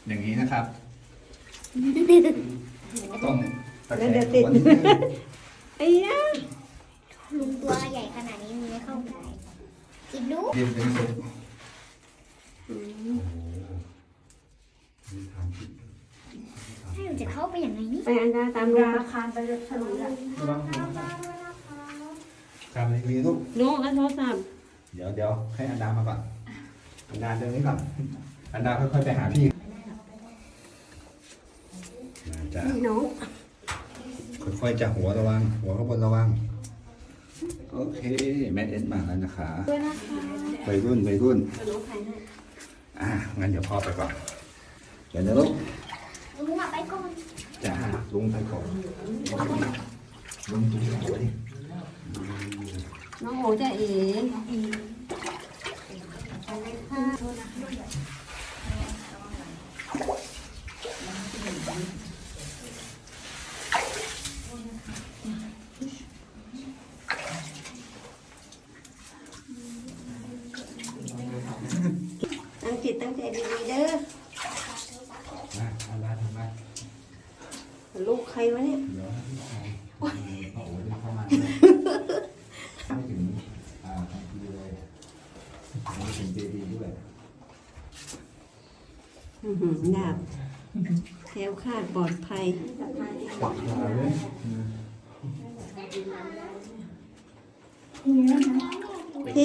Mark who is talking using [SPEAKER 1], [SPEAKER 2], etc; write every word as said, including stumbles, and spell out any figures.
[SPEAKER 1] อย่างนี้นะครับ ต้องตะแคง
[SPEAKER 2] เดี๋ยวติด
[SPEAKER 1] หัวนิดนึง
[SPEAKER 2] ไอ้ยะ
[SPEAKER 3] ลุงตัวใหญ่ขนาดนี้มันไม่เข้าไปจิบดู
[SPEAKER 1] เรียนเป็นสุข
[SPEAKER 3] ให้หนูจะเข้าไปอย่างไรนี่
[SPEAKER 2] ไปอันดาตามราคาไปฉลุยอ่ะ
[SPEAKER 1] ระวังครับมีลูก
[SPEAKER 2] โน้แล้วโทรศัพท์
[SPEAKER 1] เดี๋ยวเดี๋ยวให้อันดามาก่อน อันดาเดินนี้ก่อน อันดาค่อยๆไปหาพี่มาจ้ะ
[SPEAKER 2] นี่น้อง
[SPEAKER 1] ค่อยๆจะหัวระวัง หัวข้างบนระวัง โอเค แมทเอ็นมาแล้วนะคะ
[SPEAKER 2] ด้วยนะคะ
[SPEAKER 1] วัยรุ่นวัยรุ่น
[SPEAKER 2] น้องใครให้
[SPEAKER 1] อ่ะงั้นเดี๋ยวพ่อไปก่อน เดี๋ยวนะลูก
[SPEAKER 3] ลุงอะไปก่อน
[SPEAKER 1] จ้าลุงไปก่อนลุงดูหัวดิ
[SPEAKER 2] น้องโอจะเอ๋ ตั้งจิตตั้งใจดีๆเด้อ
[SPEAKER 1] มาอันดาทำไม
[SPEAKER 2] ลูกใครวะเนี่ย
[SPEAKER 1] เดี๋ยวให้พี่ชายพ่อโอ๋จะเข้ามาไม่ถึงอ่าทางทีเลยไม่ถึงเจดีด้วย
[SPEAKER 2] อื้อหือดาบแคล้วคลาดปลอดภัย
[SPEAKER 1] ปักมาเลย
[SPEAKER 3] นี่นะคะ